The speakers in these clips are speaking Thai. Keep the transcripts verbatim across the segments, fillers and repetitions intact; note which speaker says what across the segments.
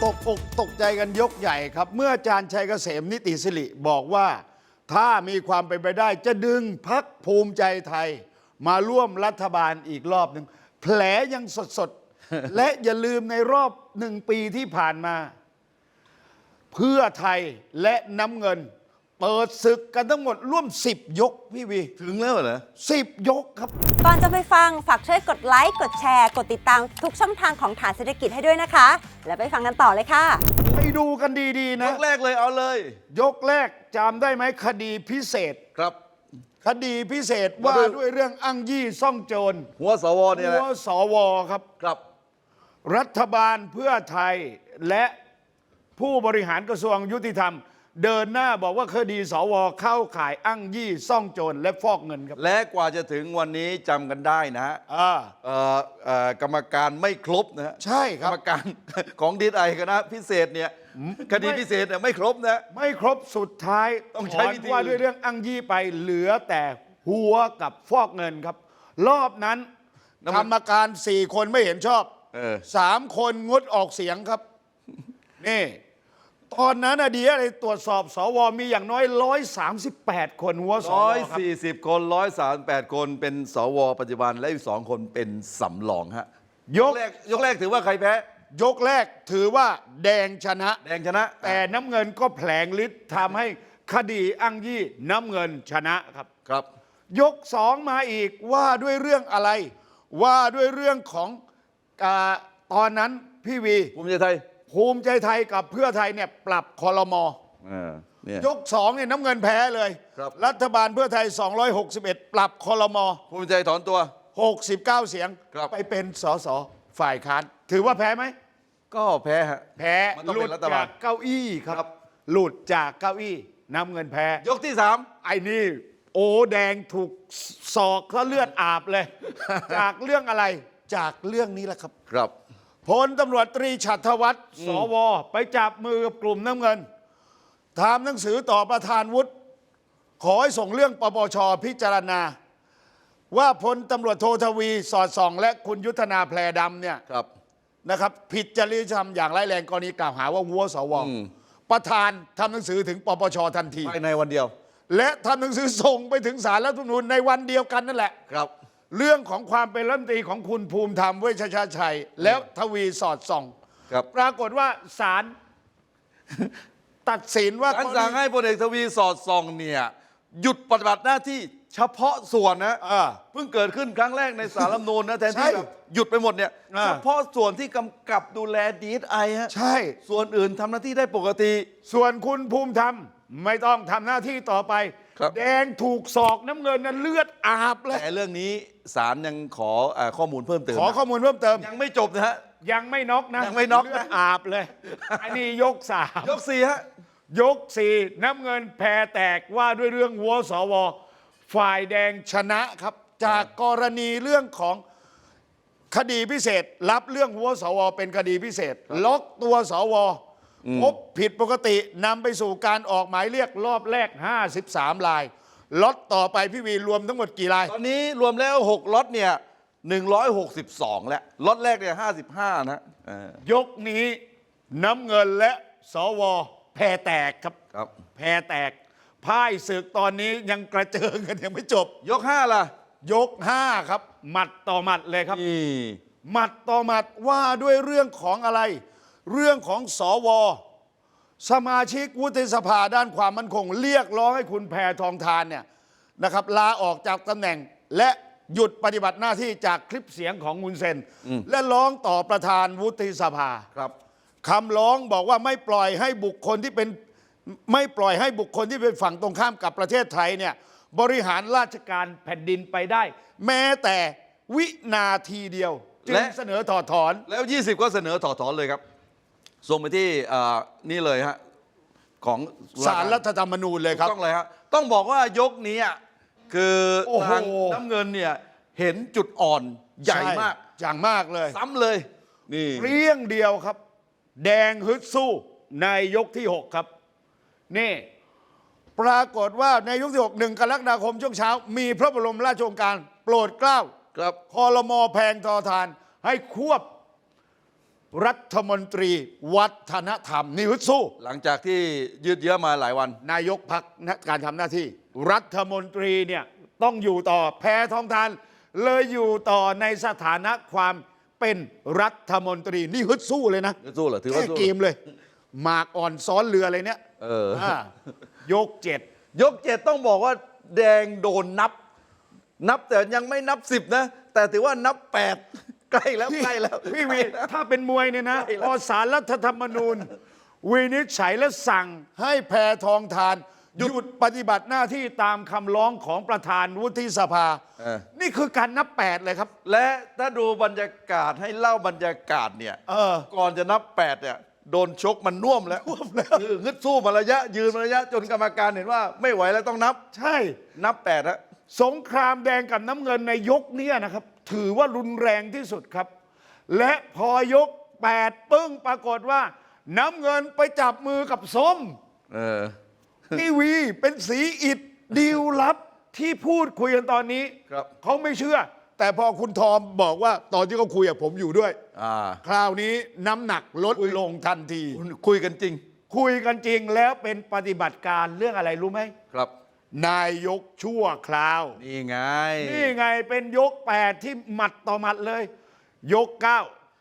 Speaker 1: ตกอกตกใจกันยกใหญ่ครับ เมื่ออาจารย์ชัยเกษมนิติสิริบอกว่าถ้ามีความเป็นไปได้จะดึงพรรคภูมิใจไทยมาร่วมรัฐบาลอีกรอบหนึ่งแผลยังสดๆ และอย่าลืมในรอบหนึ่งปีที่ผ่านมา เพื่อไทยและน้ำเงิน เปิดศึกกันทั้งหมดร่วมสิบยกพี่วี
Speaker 2: ถึงแล้วเหรอ
Speaker 1: สิบยกครับ
Speaker 3: ก่อนจะไปฟังฝากช่วยกดไลค์กดแชร์กดติดตามทุกช่องทางของฐานเศรษฐกิจให้ด้วยนะคะ แล้วไปฟังกันต่อเลยค่ะ
Speaker 1: ไปดูกันดี ๆ
Speaker 2: ย
Speaker 1: นะ
Speaker 2: กแรกเลยเอาเลย
Speaker 1: ยกแรกจำได้ไหมคดีพิเศษ
Speaker 2: ครับ
Speaker 1: คดีพิเศษว่าด้วยเรื่องอ้างยี่ซ่องโจร
Speaker 2: หัวสวเนี่ย
Speaker 1: หั
Speaker 2: แหละ
Speaker 1: วสวครับ
Speaker 2: ครับ
Speaker 1: รัฐบาลเพื่อไทยและผู้บริหารกระทรวงยุติธรรม เดินหน้าบอกว่าคดีสวเข้าข่ายอ้างยี่ซ่องโจรและฟอกเงินครับ
Speaker 2: และกว่าจะถึงวันนี้จำกันได้นะฮะ
Speaker 1: อ่า
Speaker 2: เอ่อเอ่อกรรมการไม่ครบนะฮะ
Speaker 1: ใช่ค
Speaker 2: กร
Speaker 1: รับ
Speaker 2: รมการ ของดีไอคณะพิเศษเนี่ยคดีพิเศษเนี่ยไม่ครบนะ
Speaker 1: ไม่ครบสุดท้าย
Speaker 2: ต้องใช้วิธี
Speaker 1: ถอนว่าด้วยเรื่องอ้างยี่ไปเหลือแต่หัวกับฟอกเงินครับ รอบนั้นกรรมการสี่คนไม่เห็นชอบ
Speaker 2: เออ
Speaker 1: สามคนงดออกเสียงครับ นี่ ตอนนั้นอะดีอะไรตรวจสอบสวมีอย่างน้อยร้อยสามสิบแปดคนหัวสว
Speaker 2: ร้อย
Speaker 1: ครับ
Speaker 2: สี่สิบคนร้อยสามแปดคนเป็นสวปัจจุบันและอีกสองคนเป็นสำรองฮะ
Speaker 1: ย
Speaker 2: ย
Speaker 1: ก
Speaker 2: กแรกยกแรกถือว่าใครแพ้
Speaker 1: ยกแรกถือว่าแดงชนะ
Speaker 2: แดงชนะ
Speaker 1: แต่น้ำเงินก็แผลงฤทธิ์ทำให้คดีอ้างยี่น้ำเงินชนะครับ
Speaker 2: ครับ
Speaker 1: ยกสองมาอีกว่าด้วยเรื่องอะไร ว่าด้วยเรื่องของอาตอนนั้นพี่วี
Speaker 2: ภูมิใจไทย
Speaker 1: ภูมิใจไทยกับเพื่อไทยเนี่ยปรับคอรมอ
Speaker 2: เออเนี่ย
Speaker 1: ยกสองเนี่ยน้ำเงินแพ้เลย
Speaker 2: ครับ
Speaker 1: รัฐบาลเพื่อไทย สองร้อยหกสิบเอ็ด ปรับคอรมอ
Speaker 2: ภูมิใจถอนตัว
Speaker 1: หกสิบเก้า เสียง
Speaker 2: ครับ
Speaker 1: ไปเป็นสสฝ่ายค้านถือว่าแพ้ไหม
Speaker 2: ก็แพ้ฮะ
Speaker 1: แพ้
Speaker 2: มันต้อง
Speaker 1: หลุ
Speaker 2: เป็
Speaker 1: ด
Speaker 2: นรัฐบาล
Speaker 1: จากเก้าอี้ค
Speaker 2: ครั
Speaker 1: รับ
Speaker 2: บ
Speaker 1: หลุดจากเก้าอี้น้ำเงินแพ้
Speaker 2: ยกที่สาม
Speaker 1: ไอ้นี่โอ้แดงถูกศอกเขาเลือดอาบเลย จากเรื่องอะไรจากเรื่องนี้แหละครับ
Speaker 2: ครับ
Speaker 1: พลตำรวจตรีฉัตรวัฒน์สวไปจับมือกับกลุ่มน้ำเงินทำหนังสือต่อประธานวุฒิขอให้ส่งเรื่องปปชพิจารณา ว่าพลตำรวจโททวีสอดส่อง และคุณยุทธนาแพรดำเนี่ย
Speaker 2: ครับ
Speaker 1: นะครับผิดจริยธรรมอย่างร้ายแรงกรณีกล่าวหาว่าวัวสว
Speaker 2: อืม
Speaker 1: ประธานทำหนังสือถึงปปชทันที
Speaker 2: ภายในวันเดียว
Speaker 1: และทำหนังสือส่งไปถึงศาลรัฐธรรมนูญในวันเดียวกันนั่นแหละ
Speaker 2: ครับ
Speaker 1: เรื่องของความเป็นรัฐมนตรีของคุณภูมิธรรมเวชชาชัย แล้วทวีสอดส่อง
Speaker 2: ครับ
Speaker 1: ปรากฏว่าศาล ตัดสินว่า
Speaker 2: การสั่งให้พลเอกทวีสอดส่องเนี่ยหยุดปฏิบัติหน้าที่เฉพาะส่วนนะ
Speaker 1: อ่า
Speaker 2: เพิ่งเกิดขึ้นครั้งแรกในสารรัฐธรรมนูญนะแทน
Speaker 1: ใช่
Speaker 2: ที่แบบหยุดไปหมดเนี่ย
Speaker 1: อ่า
Speaker 2: เฉพาะส่วนที่กำกับดูแลดีไอฮะ
Speaker 1: ใช่
Speaker 2: ส่วนอื่นทำหน้าที่ได้ปกติ
Speaker 1: ส่วนคุณภูมิธรรมไม่ต้องทำหน้าที่ต่อไป
Speaker 2: ครับ
Speaker 1: แดงถูกศอกน้ำเงินนั้นเลือดอาบเลย
Speaker 2: แต่เรื่องนี้ศาลยังขอเอ่อข้อมูลเพิ่มเติม
Speaker 1: ขอข้อมูลเพิ่มเติม
Speaker 2: ยังไม่จบนะฮะ
Speaker 1: ยังไม่น็อกนะ
Speaker 2: ยังไม่น็อกนะ
Speaker 1: เลือดอาบเลย อันนี้ยกสาม
Speaker 2: ยกสี่ฮะ
Speaker 1: ยกสี่น้ำเงินแพรแตกว่าด้วยเรื่องวัวสว ฝ่ายแดงชนะครับ จากกรณีเรื่องของคดีพิเศษ รับเรื่องวัวสว เป็นคดีพิเศษ ล็อกตัวสวพบผิดปกตินำไปสู่การออกหมายเรียกรอบแรก ห้าสิบสาม รายล็อตต่อไปพี่วีรวมทั้งหมดกี่ราย
Speaker 2: ตอนนี้รวมแล้วหกล็อตเนี่ยหนึ่งร้อยหกสิบสองแล้วล็อตแรกเนี่ยห้าสิบห้านะเออย
Speaker 1: กนี้น้ำเงินและสว แพรแตกครับ
Speaker 2: ครับ
Speaker 1: แพรแตกพ่ายศึกตอนนี้ยังกระเจิงกันยังไม่จบ
Speaker 2: ยกห้าล่ะ
Speaker 1: ยกห้าครับ หมัดต่อหมัดเลยครับ
Speaker 2: นี่
Speaker 1: หมัดต่อหมัดว่าด้วยเรื่องของอะไร เรื่องของสว สมาชิกวุฒิสภาด้านความมั่นคง เรียกร้องให้คุณแพทองทานเนี่ยนะครับลาออกจากตำแหน่ง และหยุดปฏิบัติหน้าที่จากคลิปเสียงของมุนเซน และร้องต่อประธานวุฒิสภา
Speaker 2: ครับ
Speaker 1: คำร้องบอกว่าไม่ปล่อยให้บุคคลที่เป็นไม่ปล่อยให้บุคคลที่เป็นฝั่งตรงข้ามกับประเทศไทยเนี่ยบริหารราชการแผ่นดินไปได้ แม้แต่วินาทีเดียว จึง
Speaker 2: และ
Speaker 1: เสนอถอดถอน
Speaker 2: แล้ว ยี่สิบ ก็เสนอถอดถอนเลยครับ ส่งไปที่เอ่อนี่เลยฮะของ
Speaker 1: ศาลรัฐธรรมนูญเลยครับ
Speaker 2: ต้องเลยฮะต้องบอกว่ายกนี้อ่ะคือ
Speaker 1: โอ้โห
Speaker 2: ทางน้ำเงินเนี่ยเห็นจุดอ่อนใหญ่มาก
Speaker 1: อย่างมากเลย
Speaker 2: ซ้ำเลยนี่
Speaker 1: เรียงเดียวครับ แดงฮึดสู้ในยกที่หกครับ นี่ ปรากฏว่าในยกที่หกหนึ่งกรกฎาคมช่วงเช้า มีพระบรมราชโองการโปรดเกล้า
Speaker 2: ครับ
Speaker 1: คอรมอแพงทอทานให้ควบรัฐมนตรีวัฒนธรรมนี่ฮึดสู้
Speaker 2: หลังจากที่ยืดเยื้อมาหลายวัน
Speaker 1: นายกพักการทำหน้าที่ รัฐมนตรีเนี่ยต้องอยู่ต่อแพทองทานเลยอยู่ต่อในสถานะความเป็นรัฐมนตรีนี่ฮึดสู้เลยนะ
Speaker 2: ฮึดสู้เหรอถือว่า
Speaker 1: แก้
Speaker 2: สู้
Speaker 1: เกมเลยหมากอ่อนซ้อนเรืออะไรเนี่ย
Speaker 2: เออ
Speaker 1: อ่ายกเจ็ด
Speaker 2: ยกเจ็ดต้องบอกว่าแดงโดนนับ นับแต่ยังไม่นับสิบนะ แต่ถือว่านับแปดใกล้แล้วใกล้แล้ว
Speaker 1: พี่วีถ้าเป็นมวยเนี่ยนะ
Speaker 2: ใกล้แล้ว
Speaker 1: พอสารรัฐธรรมนูญวินิจฉัยและสั่งให้แพทองทานหยุดปฏิบัติหน้าที่ตามคำร้องของประธานวุฒิสภา
Speaker 2: เออ
Speaker 1: นี่คือการนับแปดเลยครับ
Speaker 2: และถ้าดูบรรยากาศให้เล่าบรรยากาศเนี่ย
Speaker 1: เออ
Speaker 2: ก่อนจะนับแปดเนี่ยโดนชกมันน่วมแล้วคือฮึดสู้มาระยะ ยืนมาระยะจนกรรมการเห็นว่าไม่ไหวแล้วต้องนับ
Speaker 1: ใช่
Speaker 2: นับแปดฮะ
Speaker 1: สงครามแดงกับน้ำเงินในยกเนี้นะครับ ถือว่ารุนแรงที่สุดครับ และพอยกแปดปึ้งปรากฏว่า น้ำเงินไปจับมือกับส้ม
Speaker 2: เออ
Speaker 1: ทีวีเป็นสีอิดดีลลับที่พูดคุยกันตอนนี้
Speaker 2: ครับ
Speaker 1: เขาไม่เชื่อ แต่พอคุณทอมบอกว่าตอนที่เขาคุยกับผมอยู่ด้วย
Speaker 2: อ่า
Speaker 1: คราวนี้น้ำหนักลดลงทันที
Speaker 2: คุยกันจริง
Speaker 1: คุยกันจริงแล้วเป็นปฏิบัติการเรื่องอะไรรู้ไหม
Speaker 2: ครับ
Speaker 1: นายกชั่วคราว
Speaker 2: นี่ไง
Speaker 1: นี่ไงเป็นยกแปดที่หมัดต่อหมัดเลย ยกเก้าย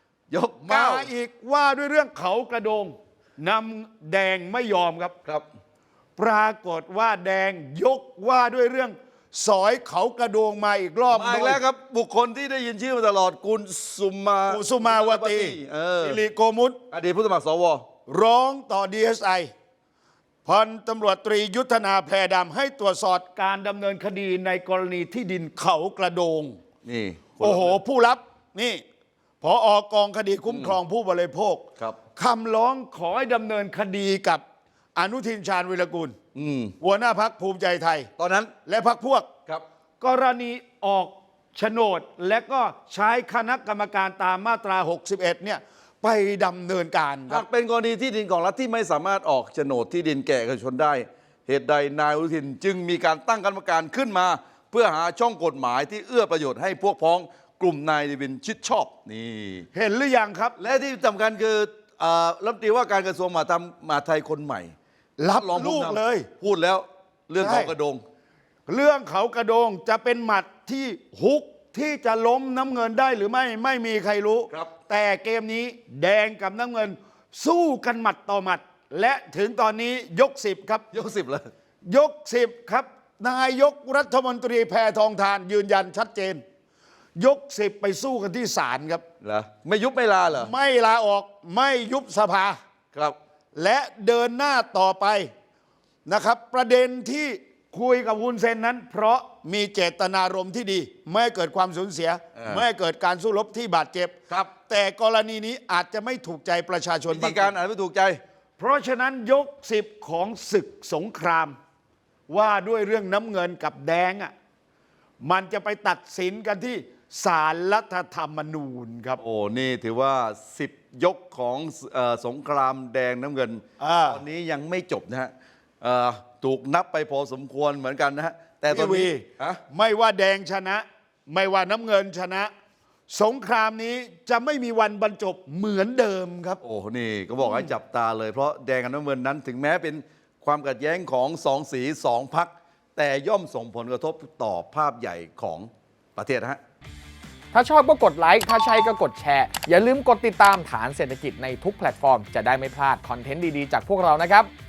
Speaker 2: ก
Speaker 1: มา
Speaker 2: เก้า
Speaker 1: อีกว่าด้วยเรื่องเขากระโดงนำแดงไม่ยอมครับ
Speaker 2: ครับ
Speaker 1: ปรากฏว่าแดงยกว่าด้วยเรื่องสอยเขากระโดงมาอีกรอบ
Speaker 2: มาอีกแล้วครับ บุคคลที่ได้ยินชื่อมาตลอดกุลสุมา
Speaker 1: กุสุมาวตี
Speaker 2: เออ
Speaker 1: สิริโกมุต
Speaker 2: อดีตผู้สมัครสว
Speaker 1: ร้องต่อ ดี เอส ไอ พันตำรวจตรียุทธนาแพรดำให้ตรวจสอบการดำเนินคดีในกรณีที่ดินเขากระโดง
Speaker 2: นี่
Speaker 1: โอ้โห ผู้รับนี่พออกองคดีคุ้มครองผู้บริโภค
Speaker 2: ครับ
Speaker 1: คำร้องขอให้ดำเนินคดีกับอนุทินชาญวิรกูล
Speaker 2: อืม
Speaker 1: หัวหน้าพักภูมิใจไทย
Speaker 2: ตอนนั้น
Speaker 1: และพักพวก
Speaker 2: ครับ
Speaker 1: กรณีออกโฉนดและก็ใช้คณะกรรมการตามมาตรา หกสิบเอ็ด เนี่ยไปดำเนินการค
Speaker 2: หา
Speaker 1: รับ
Speaker 2: กเป็นกรณีที่ดินของรัฐที่ไม่สามารถออกโฉนดที่ดินแก่เอกชนได้ เหตุใดนายอนุทินจึงมีการตั้งคณะกรรมการขึ้นมา เพื่อหาช่องกฎหมายที่เอื้อประโยชน์ให้พวกพ้องกลุ่มนายเดวินชิดชอบ นี่
Speaker 1: เห็นหรือยังครับ
Speaker 2: และที่สำคัญคือเอ่อรัฐมนตรีว่าการกระทรวงมหาดไทยมหาดไทยคนใหม่
Speaker 1: รับ
Speaker 2: รองผู้
Speaker 1: ลูก
Speaker 2: นำ
Speaker 1: เลย
Speaker 2: พูดแล้วเรื่อง
Speaker 1: ใช่
Speaker 2: เขากระโดง
Speaker 1: เรื่องเขากระโดงจะเป็นหมัดที่ฮุกที่จะล้มน้ำเงินได้หรือไม่ไม่มีใครรู้
Speaker 2: ครับ
Speaker 1: แต่เกมนี้แดงกับน้ำเงิน สู้กันหมัดต่อหมัด และถึงตอนนี้ยกสิบครับ
Speaker 2: ยกสิบเลย
Speaker 1: ยกสิบครับ นายกรัฐมนตรีแพทองทานยืนยันชัดเจน ยกสิบไปสู้กันที่ศาลครับ
Speaker 2: เหรอไม่ยุบไม่ลาเหรอ
Speaker 1: ไม่ลาออกไม่ยุบสภา
Speaker 2: ครับ
Speaker 1: และเดินหน้าต่อไปนะครับ ประเด็นที่คุยกับวุ้นเซนนั้น เพราะมีเจตนารมณ์ที่ดี ไม่ให้เกิดความสูญเสีย
Speaker 2: เออ
Speaker 1: ไม่ให้เกิดการสู้รบที่บาดเจ็บ
Speaker 2: ครับ
Speaker 1: แต่กรณีนี้อาจจะไม่ถูกใจประชาชน
Speaker 2: วิ
Speaker 1: บา
Speaker 2: ธี
Speaker 1: ง
Speaker 2: การ
Speaker 1: คน
Speaker 2: อ่านไม่ถูกใจ
Speaker 1: เพราะฉะนั้นยกสิบของศึกสงคราม ว่าด้วยเรื่องน้ำเงินกับแดงอ่ะมันจะไปตัดสินกันที่ศาลรัฐธรรมนูญครับ
Speaker 2: โอ้ นี่ถือว่าสิบยกของเออสงครามแดงน้ำเงิน
Speaker 1: อ่า
Speaker 2: ตอนนี้ยังไม่จบนะฮะเอ่อถูกนับไปพอสมควรเหมือนกันนะฮะ แต่ตอน
Speaker 1: พี่
Speaker 2: นี้
Speaker 1: วี
Speaker 2: ฮะ
Speaker 1: ไม่ว่าแดงชนะ ไม่ว่าน้ำเงินชนะ สงครามนี้จะไม่มีวันบรรจบเหมือนเดิมครับ
Speaker 2: โอ้ นี่ก็บอกให้จับตาเลย เพราะแดงกับน้ำเงินนั้นถึงแม้เป็นความขัดแย้งของสองสีสองพัก แต่ย่อมส่งผลกระทบต่อภาพใหญ่ของประเทศนะฮะ
Speaker 4: ถ้าชอบก็กดไลค์ ถ้าใช่ก็กดแชร์ อย่าลืมกดติดตามฐานเศรษฐกิจในทุกแพลตฟอร์ม จะได้ไม่พลาดคอนเทนต์ดี ๆ จากพวกเรานะครับ